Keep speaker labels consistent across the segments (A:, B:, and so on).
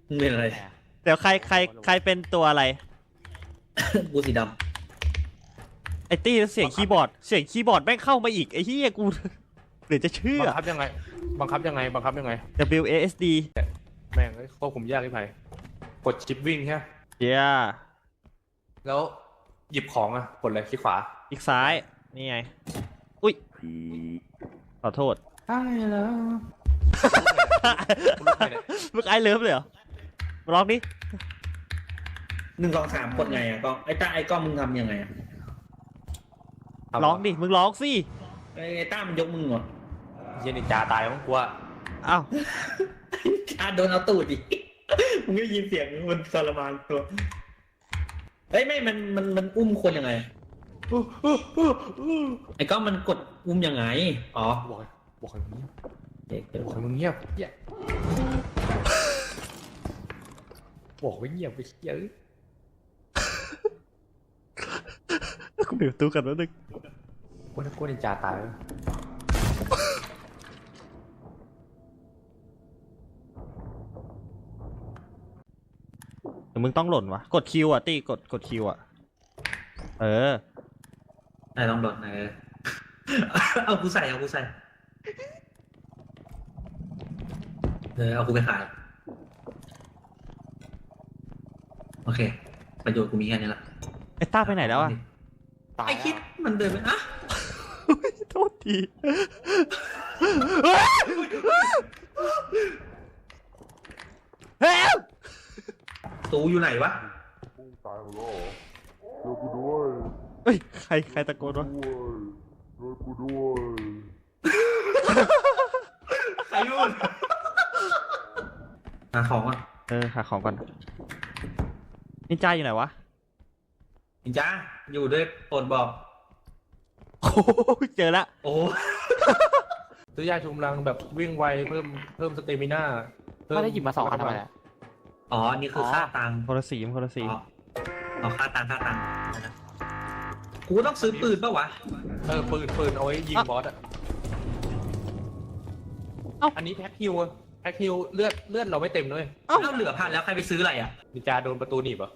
A: มึงเป็นอะไร
B: เดี๋ยวใครเป็นตัวอะไร
A: กูสีด
B: ไอ้ตี้เสียงคีย์บอร์ดแม่งเข้ามาอีกไอ้เหี้ยกูเดี๋ยวจะเชื่อ
C: บังคับยังไงบังคับยังไง
B: WASD
C: แม่งควบคุมยากที่ไผ่กดชิปวิ่งใช่ไหม
B: เจีย
C: แล้วหยิบของอะกดอะไรคลิกขวา
B: อีกซ้ายนี่ไงอุ้ยขอโทษ
C: ใช่แล้ว
B: มึงไอเลิฟเลยเหรอมาลองดิ
A: ำ1 2 3กดไงอ่ะกล้องไอ้ต้าไอ้กล้องมึงทำยังไงอ่ะ
B: ร้องดิมึงร้องสิ
A: ไอ้ต้ามันยกมือเหรอ
C: เย็นนินจาตายมั้งกูว่า
B: อ้าว
A: โดนเอาตูดดิ มึงได้ยินเสียงมันทรมานตัวเฮ้ยไม่มันอุ้มคนยังไงไอ้กล้องมันกดอุ้มยังไงอ๋อ
C: บอกให้มึง
A: เด็ก
C: บอกให้มึงเงียบเหี้ยบอกไว้เงียบไปเยอะ
B: กูเดี๋ยวตู้กันแล้วนึง
C: ว่าถ้ากูนินจาตายแล้ว
B: เดี๋ยวมึงต้องหล่นวะกดคิวอ่ะตี้กดคิวอ่ะเออ
A: ไอ้ต้องโดนเอากูใส่เอากูไปขายโอเคประโยชน์กูมีแค่นี้ละ
B: ไอ้ต้าไปไหนแล้วอ่ะ
C: ตาย
A: ไอ้คิดมันเดินไปอ่ะ
B: โทษทีเฮ้ย
A: ตูอยู่ไหนวะ
D: ตายหมดแล้วเหรอช่วยกูด้วย
B: เฮ้ยใครตะโกนวะ
D: ช่วยกูด้วย
A: ใครยุ่นหาของอ่ะ
B: เออหาของก่อนนินจาอยู่ไหนวะ
A: นินจ้าอยู่ด้วยโปรดบอก
B: โอ้เจอละ
A: โอ้
C: ซื้อยาชูกำลังแบบวิ่งไวเพิ่มสเตมิน่า
E: ไม่ได้หยิบมา2 อันทำไมอะ
A: อ๋อนี่คือค่าตังค์
B: คนละสี
A: อ๋อค่าตังค์กูต้องซื้อปืนป่าวะ
C: ปืนเอาไว้ยิงบอสอะอันนี้แพ็คฮิวเลือดเราไม่เต็มด้วย
A: เอ้าเหลือพันแล้วใครไปซื้ออะไรอ่ะ
C: นินจาโดนประตูหนีบเหรอ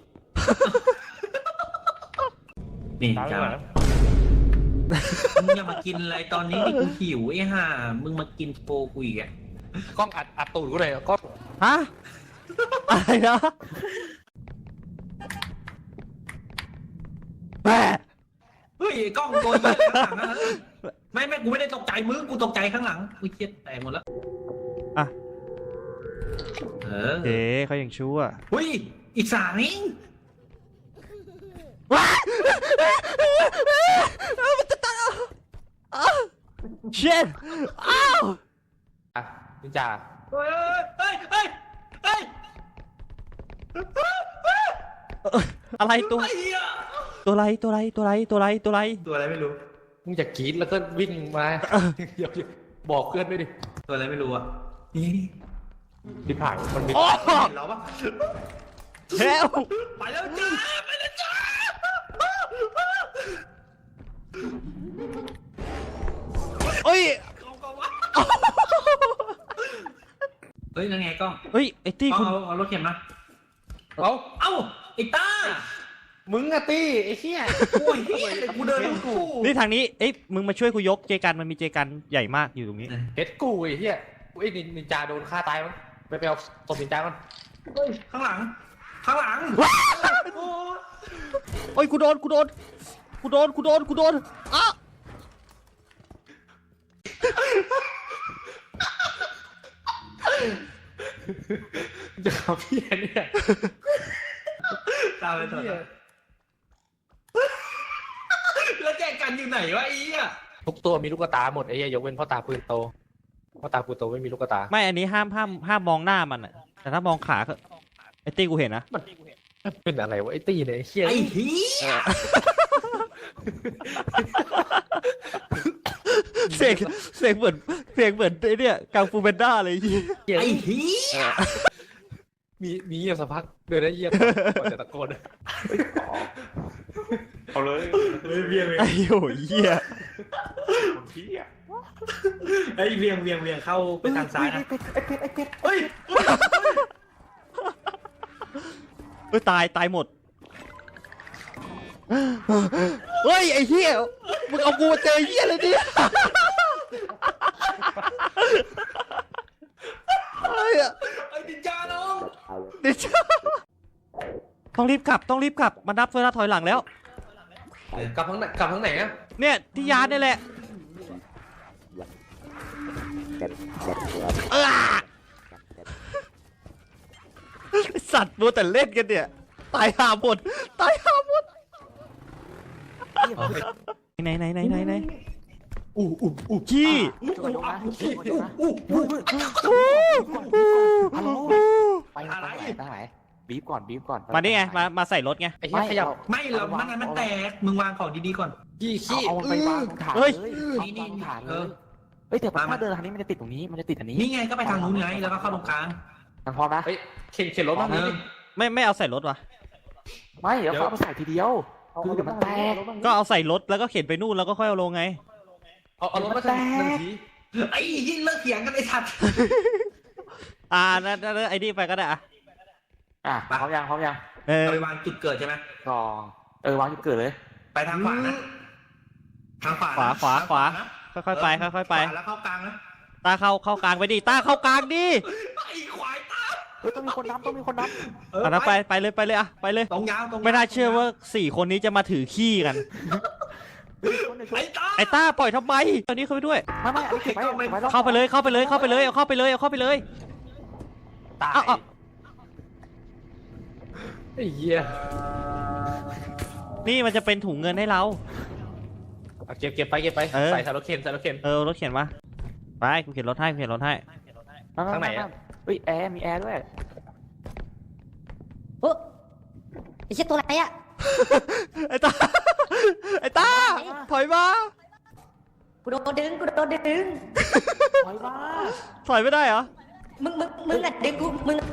A: นี่
C: ตาย
A: จ้า
C: ไปแล้ว
A: มึงอย่ามากินอะไรตอนนี้นี่กูหิวไอ้ห่ามึงมากินโปรกูอีกอ่ะ
C: กล้องอัดตูดกูเลยกล้อง
B: ฮะอะไรนะแม่
A: เฮ้ยไอ้กล้องตัวเหี้ยข้างหลังอะไม่กูไม่ได้ตกใจมึงกูตกใจข้างหลังกูเครียดแตกหมดแล้ว
B: อ่ะ
A: เออ
B: เจ๊เขายังชั่ว
A: เฮ้ยอีก3นี่
B: เช็ดอ้าว
C: อ่ะนินจา
A: เฮ้ย
B: อะไรตัว
A: ไอ้เหี้ย
B: ตัวไรตัวไร
A: ตัวอะไรไม่รู้
C: มึงอย่ากรีดแล้วก็วิ่งมาเดี๋ยวบอกเพื่อนด้วยดิ
A: ตัวอะไรไม่รู้อ่ะนี่
C: ดิผ่านมันมี
B: โอ้
A: เห็นเราปะ
B: เฮล
A: ไปแล้วจ้า
B: เอ้ย
A: เฮ้ยนั่นไงกล้อง
B: เฮ้ยไอ้ตี้
A: กล้อง
B: คุณ
A: เอารถเข็นมา
C: เอา
A: เอ้าไอ้ต้า
C: มึงอะตี้ไอ้เหี้ย
A: โอ้ยเฮ้ยกูเดินกู
B: นี่ทางนี้เอ้ยมึงมาช่วยกูยกเจกันมันมีเจกันใหญ่มากอยู่ตรงนี้
C: เฮ็ดกูไอ้เหี้ยไอ้นินจาโดนฆ่าตายมั้งไปเอาศพนินจาก่อน
A: เฮ้ยข้างหลังโอ้
B: โอ้ยกูโดนอ้า
C: จะขับพี่เนี่ย
A: ตามไปต่อแล้วแจกันอยู่ไหนวะไอ้เหี้ย
C: ทุกตัวมีลูกตาหมดไอ้เหี้ยยกเว้นพ่อตาปืนโตไม่มีลูกตา
B: ไม่อันนี้ห้ามมองหน้ามันอะแต่ถ้ามองขาก็ไอ้ตี้กูเห็นนะ
C: มันเป็นอะไรวะไอ้ตี้เนี่ยไอ้เหี้ย
A: ไอ้เหี้ย
B: เสียงเหมือนไอ้เนี่ยกังฟูเบนด้าเลยยี่
A: ไอ้เหี้ย
C: มีเงียบสักพักเดินได้เงียบก่อนจะตะโกน
D: เอาเลย
A: เวียง
B: ไอ้โหเหี้ย
D: คนพี่อ่ะ
A: ไอ้เวียงเข้าไปทางซ้ายนะไอ้เป็ดเฮ้ย
B: เฮ้ยตายหมดเฮ้ยไอ้เหี้ยมึงเอากูมาเจอเหี้ยเลยดิเฮ้ย
A: ไอ้ดินจาน้อง
B: เดี๋ยวต้องรีบกลับมานับเวลาถอยหลังแล้ว
C: กลับทางไหนอะ
B: เนี่ยที่ยานนี่แหละเออไอ้สัตว์มัวแต่เล่นกันเนี่ยตายหาหมดไหนขี้
E: ช่วยยกนะช่วยยกนะฮัลโหลไปทางไหนบีบก่อน
B: มานี่ไงมาใส่รถไง
C: ไอ้เหี้ยขยับ
A: ไม่หรอกมันแตกมึงวางของดีๆก่อน
E: เอาไปวางฐานเลยฐานเลยเฮ้ยแต่ถ้าเดินทางนี้มันจะติดตรงนี้มันจะติดอันนี้
A: นี่ไงก็ไปทางนู้นไงแล้วก็เข้าตรงกลาง
E: มันพร้อมนะ
C: เฮ้ยเข็นรถมา
B: ไม่เอาใส่รถวะ
E: ไม่เดี๋ยวเขามาใส่ทีเดียวคือเดี๋ยวมันแตก
B: ก็เอาใส่รถแล้วก็เข็นไปนู่นแล้วก็ค่อยเอาลงไง
C: เอารถมาใส่หนึ่งที
A: ไอ้ยิ่งเลิกเถียงกันไอ้สัตว์
B: นั่นไอ้นี่ไปก็ได้อะ
E: พร้อมยัง
A: เอาไปวางจุดเกิดใช่ไหม
E: กองวางจุดเกิดเลย
A: ไปทางขวานะทางขวา
B: ขวาค่อยๆไป
A: แล้วเข้ากลางนะ
B: ตาเข้ากลางไปดิตาเข้ากลางดิ
A: ไอ้ควายตา
E: ต้องมีคนนับ
B: ไปเลยอะไปเลย
A: ตรงยาว
B: ไม่น่าเชื่อว่า4 คนนี้จะมาถือขี้กัน
A: ไอ้ตา
B: ไอ้ต้าปล่อยทำไมตอนนี้เข้าไปด้วย
E: ไม่อันนี้เก็บไว้
B: เข้าไปเลยเอาเข้าไปเลย
C: ตาย
B: เอา
C: ไอ้เหี้ย
B: นี่มันจะเป็นถุงเงินให้เรา
C: เก็บไปใส่รถเข็น
B: รถเข็นมาไปกูเข็นรถให้
C: ทางไหนอะ
E: เฮ้ยแอร์มีแอร์ด้วย
F: โอ้ไอ้เชี่ยตัวไหนอะ
B: ไอ้ต้าถอยมา
F: กูโดนดึง
E: ถอยมา
B: ถอยไม่ได้เหรอ
F: มึงอะดึงกูมึง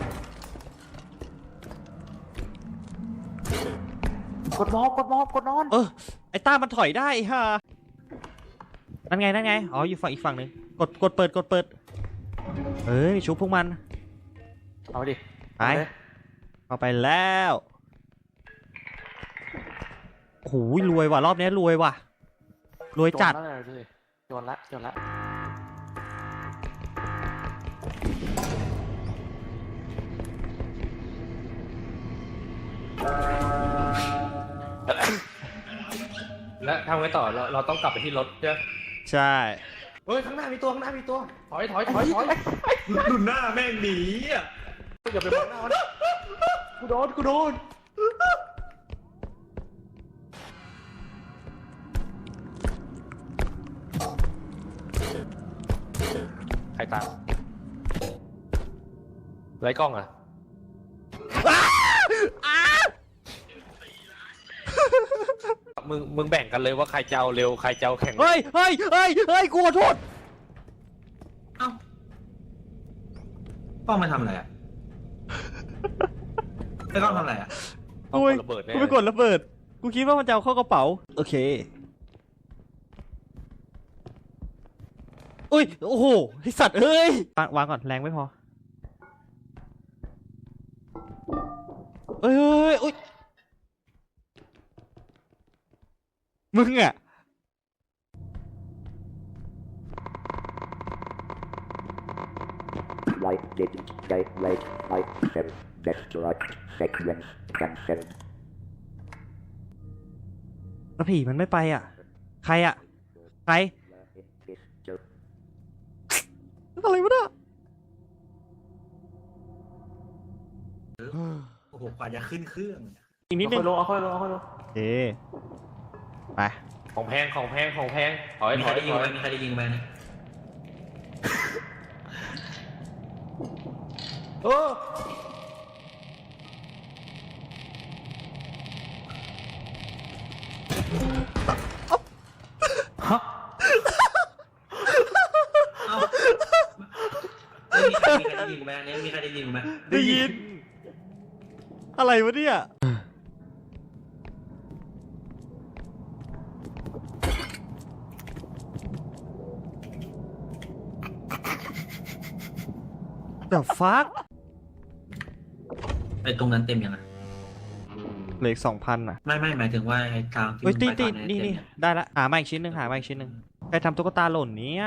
E: กดนอน
B: ไอ้ต้ามันถอยได้ฮะนั่นไงอ๋ออยู่ฝั่งอีกฝั่งหนึ่งกดเปิดชุบพวกมัน
E: เอาดิ
B: ไปเอาไปแล้วโอ้โหรวยว่ะรอบนี้รวยว่ะรวยจัด
E: โจรละ
C: แล้วทำไงต่อเราต้องกลับไปที่รถใช่ไหม
B: ใช่
C: เฮ้ยข้างหน้ามีตัวถอย
A: ดูหน้าแม่งหนีอ่ะ
C: อย่าไปมองหน้ามันกูโดนใครตามไรกล้องอ่ะมึงแบ่งกันเลยว่าใครจะเอาเร็วใครจะเอาแข่ง
B: เฮ้ยกูขอโทษ
A: เอ้าป้องมาทำอะไรอ่ะไอ้ป้องทำอะไรอ่ะ
C: ต้องกดระเบิดแน่
B: กูไปกดระเบิดกูคิดว่ามันจะเอาเข้ากระเป๋าโอเคอุ้ยโอ้โหไอสัตว์เอ้ยวางก่อนแรงไม่พอเอ้ยอุ้ยมึงอะ
G: Right, didn't, right, seven, left, right, section, cancel.
B: แล้วผีมันไม่ไปอ่ะใครอ่ะใครอะไรวะเนี่ย
A: โอ้โหกว่าจะขึ้นเครื่อง
B: อีกนิดนึง
E: เอาค่อยลง
B: เอ๊ไป
C: ของแพงถอย
A: มีใครได้ยิงไหมมีใครได้ยิงไหมเนี่ย
C: เออ
A: เอ้ามีใครได้ยิงไหมเนี่ยมีใครได้ยิงไหม
B: ได้ยินอะไรวะเนี่ย The fuck
A: ไอ้ตรงนั้นเต็มยังไง
B: เหลืออีก2,000อ่ะ
A: ไม่หมายถึงว่าไอ้ทางที่
B: เฮ้ย
A: มึง
B: ตี
A: ไป
B: ตี
A: ตอนเย
B: นี่
A: เต็ม
B: นี่
A: เนี่ย
B: ได้ละหามาอีกชิ้นหนึ่งหามาอีกชิ้นหนึ่งใครทำตุ๊กตาหล่นเนี้ย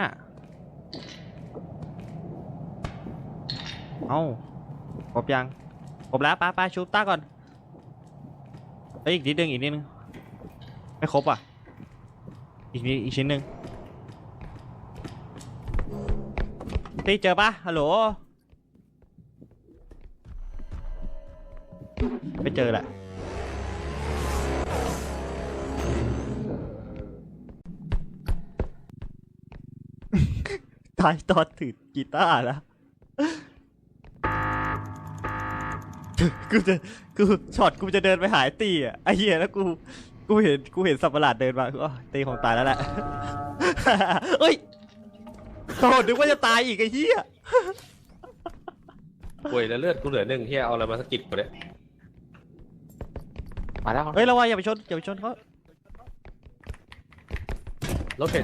B: เอ้าครบยังครบแล้วป้าชูต้าก่อนเอ้ยอีกนิดนึงไม่ครบอ่ะอีกชิ้นหนึ่งตีเจอปะฮัลโหลไม่เจอแหละตายตอนถือกีตาร์แล้วกูช็อตกูจะเดินไปหายตีอ่ะไอ้เหี้ยแล้วกูเห็นสัตว์ประหลาดเดินมาอ๋อตีของตายแล้วแหละ เฮ้ยโอ้นึกว่าจะตายอีกไอ้เหี้ย
C: ป่วยแล้วเลือดกูเหลือ1เฮียเอาอะไรมาสกิดกูเนี่ย
E: มาแล้ว
B: เฮ้ยระวังอย่าไปชนเขา
C: รถเข็น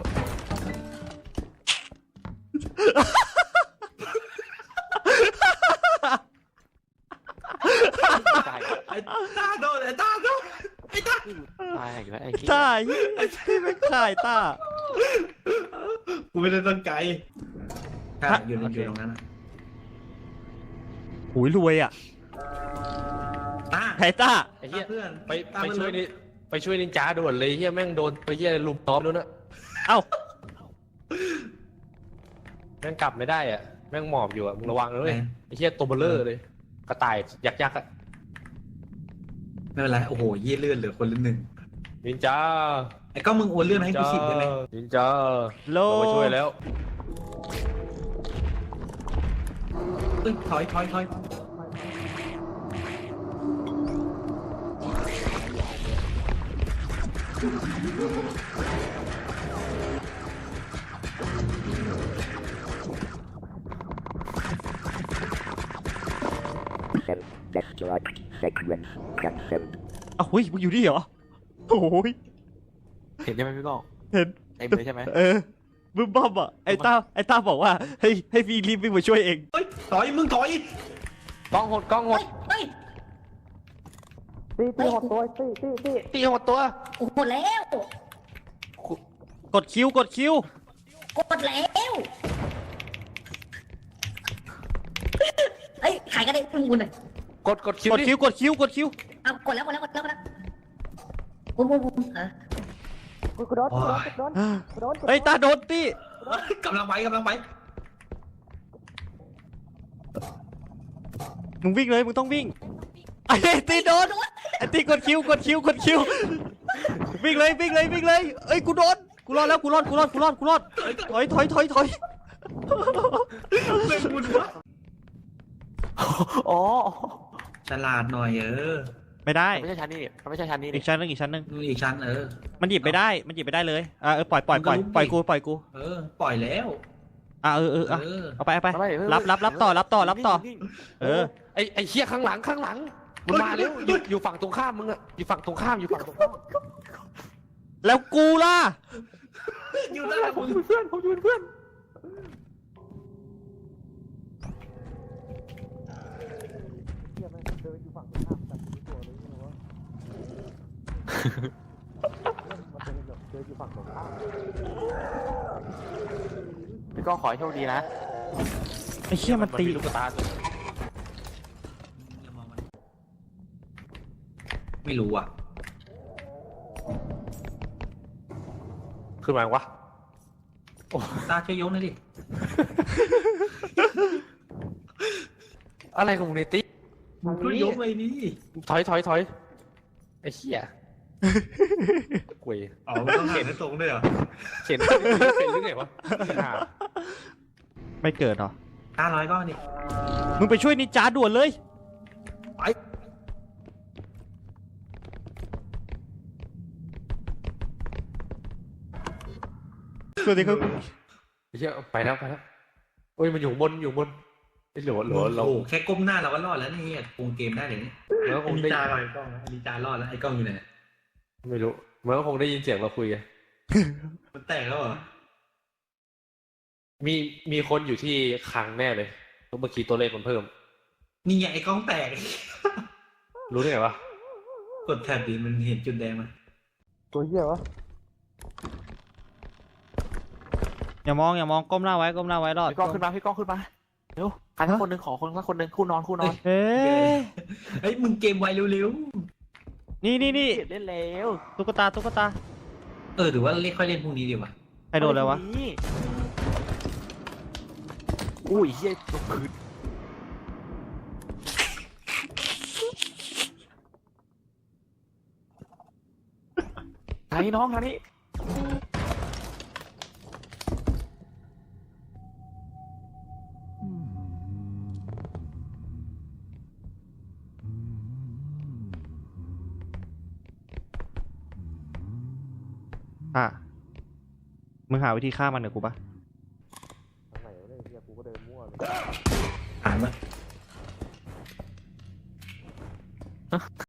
E: ตาย
A: ไอ้ตาโดนไอ้ตาโดน
E: ตายอีกแล้วไอ้ที่
B: ตายไอ้ที่ไม่ขายตา
A: กูไม่ได้ตั้งใจใช่อยู่ตรงนั้นอะ
B: หูยรวยอ่ะ
A: ตา
B: ไข่ต้า
C: ไอ้เฮีย
A: เพื่อน
C: ไปช่วยนี่ไปช่วยนินจาด่วนเลยเฮียแม่งโดนไปเฮียลุมล้อมแล้วนะ
B: เอ้า
C: แม่งกลับไม่ได้อ่ะแม่งหมอบอยู่อ่ะมึงระวังนะเลยไอ้เฮียตัวเบลเลอร์เลยกระต่ายยักษ์อ่ะ
A: ไม่เป็นไรโอ้โหเยี่ยเลื่อนเหลือคนละ1
C: นินจา
A: ไอ้ก็มึงโอนเลื่อนมาให้กู10ได้ไหม
C: นินจา
B: โล
C: เรามาช่วยแล้ว
A: เอ้ยถอย
G: Step. Destroyed. Sequence. Cancel.
B: เอ้าเฮ้ยมึงอยู่นี่เหรอโอ้ย
E: เห็นใช่ไหมพี่ก้อง
B: เห็น
E: เต็มเลยใช่ไหม
B: บึ้มบ้อมอ่ะไอ้ต้าบอกว่าให้พี่รีบวิ่งมาช่วยเอง
A: เฮ้ยถอยมึงถอย
C: กล้องหด
F: เฮ้ย
E: ตีหดตัวตี
C: ตีหดตัว
F: โอ้โหแล้ว
B: กดคิว
F: กดแล้วเฮ้ยขายกันได้มึงบุญหน่อย
C: กดคิว
B: กด
C: ดิ
B: คิว
F: เอากดแล้วบุญ
B: เฮ้ยตาโดนตี
A: กำลังไป
B: มึงวิ่งเลยมึงต้องวิ่งไอ้ตีโดนไอ้ตีกดคิววิ่งเลยเอ้ยกูโดนกูรอดแล้วกูรอดถอย
A: เป็นบุญวะ
E: อ๋อ
A: ฉลาดหน่อย
B: ไม่ได้
E: ไม่ใช่ชั้นนี้มันไม่ใช่ชั้นนี้
B: อีกชั้นหนึง
A: อีกชั้น
B: มันหยิบไม่ได้เลยปล่อยกู
A: ปล่อยแล้ว
B: เอาไปรับต่อ
C: ไอ้เฮียข้างหลังมันมาแล้วอยู่ฝั่งตรงข้ามมึงอ่ะอยู่ฝั่งตรงข้าม
B: แล้วกูล่ะ
A: อยู่ได้
E: ผมอยู่เป็นเพื่อนพี่ก้องขอให้โชคดีนะ
B: ไอ้เชี่ยมันตี
C: ลูกตา
A: ไม่รู้อ่ะ
C: ขึ้นมายวะ
A: ตาช่วยยกหน่อยดิ
C: อะไรของมึงเนี่ยติ๊ก
A: ช่วยยกเลยนี่
C: ถอยไอ้เหี้ยกวย
A: อ๋อต้องเห็นตรงด้วยเหรอ
C: เข็นเป็นหรือไงวะ
B: ไม่เกิดหรอ
A: ตา100ก้อนดิ
B: มึงไปช่วยนินจาด่วนเลย
A: ไป
B: สวัสดีครับ
C: ไอ้เหี้ยไปแล้วโอ้ยมันอยู่บนไอ้หลัวเรา
A: โอ้แค่ก้มหน้าเราก็รอดแล้วนี่ปรุงเกมได้เลยนี่
C: มันก็คง
A: นิ
C: ได้
A: จารอดไอ้กล้องนิจารอดแล้วไอ้กล้องอยู่ไหน
C: ไม่รู้มันก็คงได้ยินเสียงเราคุยกัน
A: มันแตกแล้วเหรอ
C: มีคนอยู่ที่คลังแน่เลยเมื่อกี้ตัวเลขมันเพิ่ม
A: นี่ไงไอ้กล้องแตก
C: รู้ได้ไงวะ
A: กดแท็บดิมันเห็นจุดแดงมั้ย
D: ตัวเหี้ยวะ
B: อย่ามองก้มหน้าไว้รอด
E: พี่ก้องขึ้นมาเร็วใครสักคนหนึ่งขอคนสักคนหนึ่งคู่นอน
B: เฮ้ย
A: เฮ้ยมึงเกมไวเร็ว
B: นี่
E: เล่นแล้ว
B: ตุ๊กตา
A: ๆหรือว่าเล่นค่อยเล่นพรุ่งนี้ดีกว่า
B: ใครโดนแล้ววะ
E: อุ้ยเฮียตกพื้นทางนี้น้องทางนี้
B: อ่ะมึงหาวิธีฆ่ามันเหรอกูปะ
D: ทางไหนวะเนี่ยเหี้ยกูก็เดินมั่วเลย
A: อ่านมา